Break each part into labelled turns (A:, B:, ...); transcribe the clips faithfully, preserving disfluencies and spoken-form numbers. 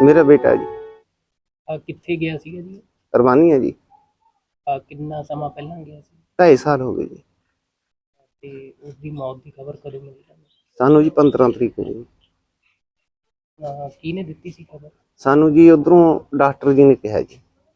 A: मेरा बेटा जी।
B: ਅ, ਕਿੱਥੇ ਗਿਆ ਸੀਗਾ ਜੀ?
A: रवानी है जी।
B: ਅ, ਕਿੰਨਾ ਸਮਾਂ ਪਹਿਲਾਂ ਗਿਆ ਸੀ
A: ढाई साल हो गए जी।
B: ਤੇ ਉਸ ਦੀ ਮੌਤ ਦੀ ਖਬਰ ਕਦੋਂ ਮਿਲੀ ਤੁਹਾਨੂੰ?
A: सानू जी पंद्रह तरीक को जी।
B: ਅ, ਕਿਹਨੇ ਦਿੱਤੀ ਸੀ ਖਬਰ
A: सानू जी उधरों डॉक्टर जी ने कहा जी।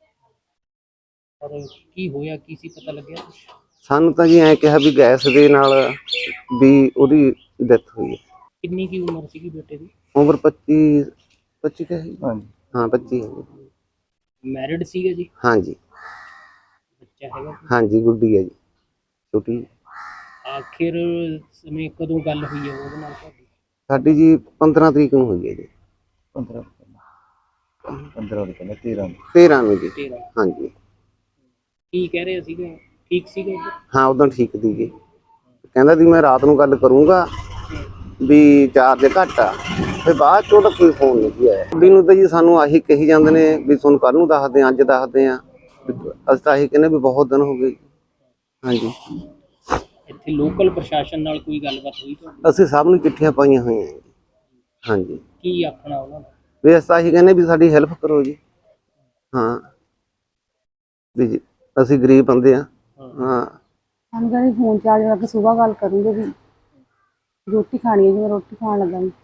B: ਔਰ ਕੀ ਹੋਇਆ, ਕੀ ਸੀ ਪਤਾ ਲੱਗਿਆ ਕੁਛ?
A: सानू तो जी ऐ कहा भी गैस दे नाल भी ओदी डेथ हुई है।
B: ਕਿੰਨੀ ਕੀ ਉਮਰ ਸੀਗੀ ਬੇਟੇ ਦੀ?
A: उम्र पच्ची पच्ची का है। हाँ जी, हाँ पच्ची है जी।
B: ਮੈਰਿਡ ਸੀਗਾ जी?
A: हाँ जी,
B: ਬੱਚਾ ਹੈਗਾ ਕੋਈ?
A: हाँ जी, गुड्डी है जी, छोटी।
B: ਆਖਿਰ ਸਮੇਂ ਕਦੋਂ ਗੱਲ ਹੋਈ ਹੈ ਉਹਦੇ ਨਾਲ ਤੁਹਾਡੀ?
A: साडी जी पंद्रह तरीक ਨੂੰ हुई है जी। पंद्रह पंद्रह तेरह तेरह में जी।
B: ਤੇਰਾਂ?
A: हाँ जी।
B: ਕੀ ਕਹਿ ਰਹੇ ਸੀਗੇ, ਠੀਕ ਸੀਗਾ ਜੀ?
A: हाँ उदों ठीक दी जी। कहंदा सी मैं रात ਨੂੰ ਗੱਲ ਕਰੂੰਗਾ ਵੀ ਚਾਰਜ ਘੱਟ ਆ, ਫਿਰ ਬਾਅਦ ਚੋਂ ਤਾਂ ਕੋਈ ਫੋਨ ਨਹੀਂ ਆਇਆ। ਕੁੜੀ ਨੂੰ ਤਾਂ ਜੀ ਸਾਨੂੰ ਆਹੀ ਕਹੀ ਜਾਂਦੇ ਨੇ ਵੀ ਤੁਹਾਨੂੰ ਕੱਲ ਨੂੰ ਦੱਸਦੇ ਆ, ਅੱਜ ਦੱਸਦੇ ਆ। ਅਸੀਂ ਤਾਂ ਆਹੀ ਕਹਿੰਦੇ ਵੀ ਬਹੁਤ ਦਿਨ ਹੋ ਗਏ। ਹਾਂਜੀ,
B: ਇੱਥੇ ਲੋਕਲ ਪ੍ਰਸ਼ਾਸਨ ਨਾਲ ਕੋਈ ਗੱਲਬਾਤ ਹੋਈ ਤੁਹਾਡੀ?
A: ਅਸੀਂ ਸਭ ਨੂੰ ਚਿੱਠੀਆਂ ਪਾਈਆਂ ਹੋਈਆਂ ਜੀ। ਹਾਂਜੀ,
B: ਕੀ ਆਖਣਾ ਉਹਨਾਂ ਦਾ?
A: ਵੀ ਅਸੀਂ ਤਾਂ ਆਹੀ ਕਹਿੰਦੇ ਵੀ ਸਾਡੀ ਹੈਲਪ ਕਰੋ ਜੀ। ਹਾਂ ਵੀ ਜੀ ਅਸੀਂ ਗਰੀਬ ਬੰਦੇ ਆ। ਹਾਂ
C: हम कहीं फोन चार्ज करके सुबह गल करूँगे भी रोटी खानी है जी, मैं रोटी खान लगा जी।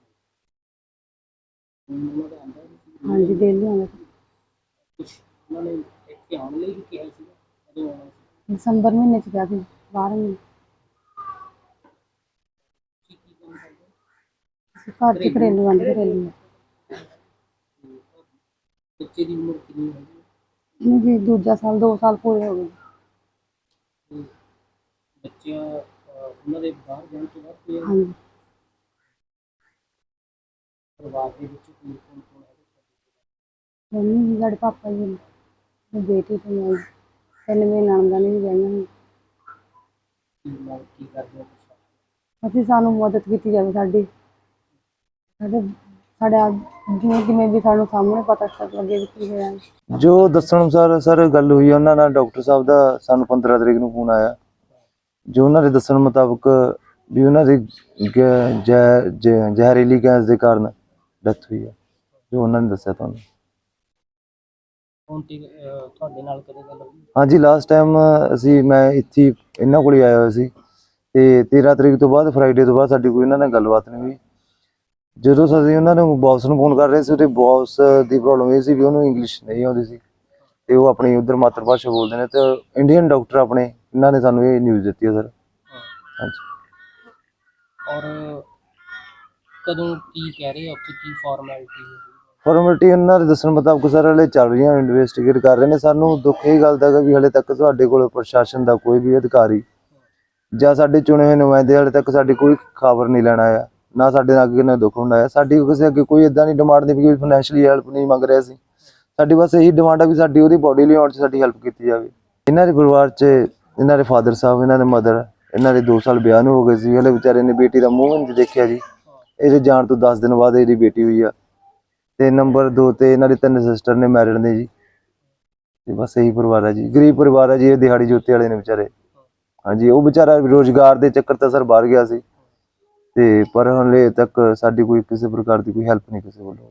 C: हाँ जी, डेली आना। दिसंबर महीने च गया ਸੀ बारह महीने घर च घरेलू आंदे घरेलू
B: ਬੱਚੇ ਦੀ ਉਮਰ ਕਿੰਨੀ ਹੈ?
C: जी दूजा साल दो साल पूरे हो गए।
B: ਬੱਚਿਆਂ ਉਹਨਾਂ ਦੇ ਬਾਹਰ ਜਾਣ ਤੋਂ ਬਾਅਦ ਕੋਈ
C: हाँ जी,
B: ਪਰਿਵਾਰ ਦੇ ਵਿੱਚ ਕੋਈ ਕੌਣ ਕੌਣ ਹੈ?
C: मम्मी जी साढ़े पापा जी ने बेटी तो मैं तीन महीने नंदा ने भी गई।
B: ਕੀ ਮੰਗ ਕੀ ਕਰਦੇ ਹੋ ਤੁਸੀਂ?
C: ਅਸੀਂ ਸਾਨੂੰ ਮਦਦ ਕੀਤੀ ਜਾਵੇ ਸਾਡੀ ਸਾਡੇ ਸਾਡੇ ਜਿਵੇਂ ਜਿਵੇਂ ਵੀ ਸਾਨੂੰ ਸਾਹਮਣੇ ਪਤਾ ਚੱਲ ਲੱਗੇ ਵੀ ਕੀ ਹੋਇਆ।
D: ਜੋ ਦੱਸਣ ਅਨੁਸਾਰ ਸਰ ਗੱਲ ਹੋਈ ਉਹਨਾਂ ਨਾਲ, ਡਾਕਟਰ ਸਾਹਿਬ ਦਾ ਸਾਨੂੰ ਪੰਦਰਾਂ ਤਰੀਕ ਨੂੰ ਫੋਨ ਆਇਆ। ਜੋ ਉਹਨਾਂ ਦੇ ਦੱਸਣ ਮੁਤਾਬਕ ਵੀ ਉਹਨਾਂ ਦੀ ਗੈ- ਜ਼ਹਿ- ਜ਼ਹਿ- ਜ਼ਹਿਰੀਲੀ ਗੈਸ ਦੇ ਕਾਰਨ ਡੈਥ ਹੋਈ ਹੈ, ਜੋ ਉਹਨਾਂ ਨੇ ਦੱਸਿਆ ਤੁਹਾਨੂੰ।
B: ਹੁਣ ਤੇ ਅਹ, ਤੁਹਾਡੇ ਨਾਲ ਕਦੋਂ ਗੱਲ ਹੋਈ?
D: ਹਾਂਜੀ, ਲਾਸਟ ਟਾਈਮ ਅਸੀਂ ਮੈਂ ਇੱਥੇ ਹੀ ਇਹਨਾਂ ਕੋਲ ਹੀ ਆਇਆ ਹੋਇਆ ਸੀ ਤੇ ਤੇਰਾਂ ਤਰੀਕ ਤੋਂ ਬਾਅਦ ਫਰਾਈਡੇ ਤੋਂ ਬਾਅਦ ਸਾਡੀ ਕੋਈ ਇਹਨਾਂ ਨਾਲ ਗੱਲਬਾਤ ਨਹੀਂ ਹੋਈ। ਜਦੋਂ ਅਸੀਂ ਉਹਨਾਂ ਨੂੰ ਬੌਸ ਨੂੰ ਫੋਨ ਕਰ ਰਹੇ ਸੀ, ਉਹਦੇ ਬੌਸ ਦੀ ਪ੍ਰੋਬਲਮ ਇਹ ਸੀ ਵੀ ਉਹਨੂੰ ਇੰਗਲਿਸ਼ ਨਹੀਂ ਆਉਂਦੀ ਸੀ ਤੇ ਉਹ ਆਪਣੀ ਉਧਰ ਮਾਤਰ ਭਾਸ਼ਾ ਬੋਲਦੇ ਨੇ, ਤੇ ਇੰਡੀਅਨ ਡਾਕਟਰ ਆਪਣੇ ਇਹਨਾਂ ਨੇ ਸਾਨੂੰ ਇਹ ਨਿਊਜ਼ ਦਿੱਤੀ ਹੈ ਸਰ। ਹਾਂਜੀ,
B: ਔਰ ਕਦੋਂ ਕੀ ਕਹਿ ਰਹੇ ਆ ਉੱਥੇ, ਕੀ ਫਾਰਮੈਲਿਟੀ ਹੈ?
D: ਫਾਰਮੈਲਿਟੀ ਉਹਨਾਂ ਦੇ ਦੱਸਣ ਮੁਤਾਬਕ ਸਰ ਹਲੇ ਚੱਲ ਰਹੀਆਂ, ਇਨਵੈਸਟੀਗੇਟ ਕਰ ਰਹੇ ਨੇ। ਸਾਨੂੰ ਦੁੱਖ ਇਹ ਗੱਲ ਦਾ ਹੈਗਾ ਵੀ ਹਲੇ ਤੱਕ ਤੁਹਾਡੇ ਕੋਲ ਪ੍ਰਸ਼ਾਸਨ ਦਾ ਕੋਈ ਵੀ ਅਧਿਕਾਰੀ ਜਾਂ ਸਾਡੇ ਚੁਣੇ ਹੋਏ ਨੁਮਾਇੰਦੇ ਹਲੇ ਤੱਕ ਸਾਡੀ ਕੋਈ ਖਬਰ ਨਹੀਂ ਲੈਣ ਆਇਆ, ਨਾ ਸਾਡੇ ਨਾਲ ਅੱਗੇ ਨਾ ਦੁੱਖ ਹੁੰਦਾ ਹੈ। ਸਾਡੀ ਕਿਸੇ ਅੱਗੇ ਕੋਈ ਇਦਾਂ ਦੀ ਡਿਮਾਂਡ ਨਹੀਂ ਵੀ ਕੋਈ ਫਾਈਨੈਂਸ਼ੀਅਲੀ ਹੈਲਪ ਨਹੀਂ ਮੰਗ ਰਿਹਾ ਸੀ। ਸਾਡੀ ਬਸ ਇਹੀ ਡਿਮਾਂਡ ਆ ਵੀ ਸਾਡੀ ਉਹਦੀ ਬੋਡੀ ਲਿਆਉਣ 'ਚ ਸਾਡੀ ਹੈਲਪ ਕੀਤੀ ਜਾਵੇ। ਇਹਨਾਂ ਦੇ ਪਰਿਵਾਰ 'ਚ ਇਹਨਾਂ ਦੇ ਫਾਦਰ ਸਾਹਿਬ, ਇਹਨਾਂ ਦੇ ਮਦਰ, ਇਹਨਾਂ ਦੇ ਦੋ ਸਾਲ ਵਿਆਹ ਨੂੰ ਹੋ ਗਏ ਸੀ। ਹਲੇ ਵਿਚਾਰੇ ਨੇ ਬੇਟੀ ਦਾ ਮੂੰਹ ਨਹੀਂ ਦੇਖਿਆ ਜੀ। ਇਹਦੇ ਜਾਣ ਤੋਂ ਦਸ ਦਿਨ ਬਾਅਦ ਇਹਦੀ ਬੇਟੀ ਹੋਈ ਆ। ਤੇ ਨੰਬਰ ਦੋ ਤੇ ਇਹਨਾਂ ਦੇ ਤਿੰਨ ਸਿਸਟਰ ਨੇ ਮੈਰਿਡ ਨੇ ਜੀ। ਤੇ ਬਸ ਇਹੀ ਪਰਿਵਾਰ ਹੈ ਜੀ, ਗਰੀਬ ਪਰਿਵਾਰ ਹੈ ਜੀ। ਇਹ ਦਿਹਾੜੀ ਜੋਤੇ ਵਾਲੇ ਨੇ ਵਿਚਾਰੇ। ਹਾਂਜੀ, ਉਹ ਵਿਚਾਰਾ ਰੋਜ਼ਗਾਰ ਦੇ ਚੱਕਰ ਤਾਂ ਸਰ ਬਾਹਰ ਗਿਆ ਸੀ ਤੇ ਪਰ ਹਲੇ ਤੱਕ ਸਾਡੀ ਕੋਈ ਕਿਸੇ ਪ੍ਰਕਾਰ ਦੀ ਕੋਈ ਹੈਲਪ ਨਹੀਂ ਕਿਸੇ ਵੱਲੋਂ।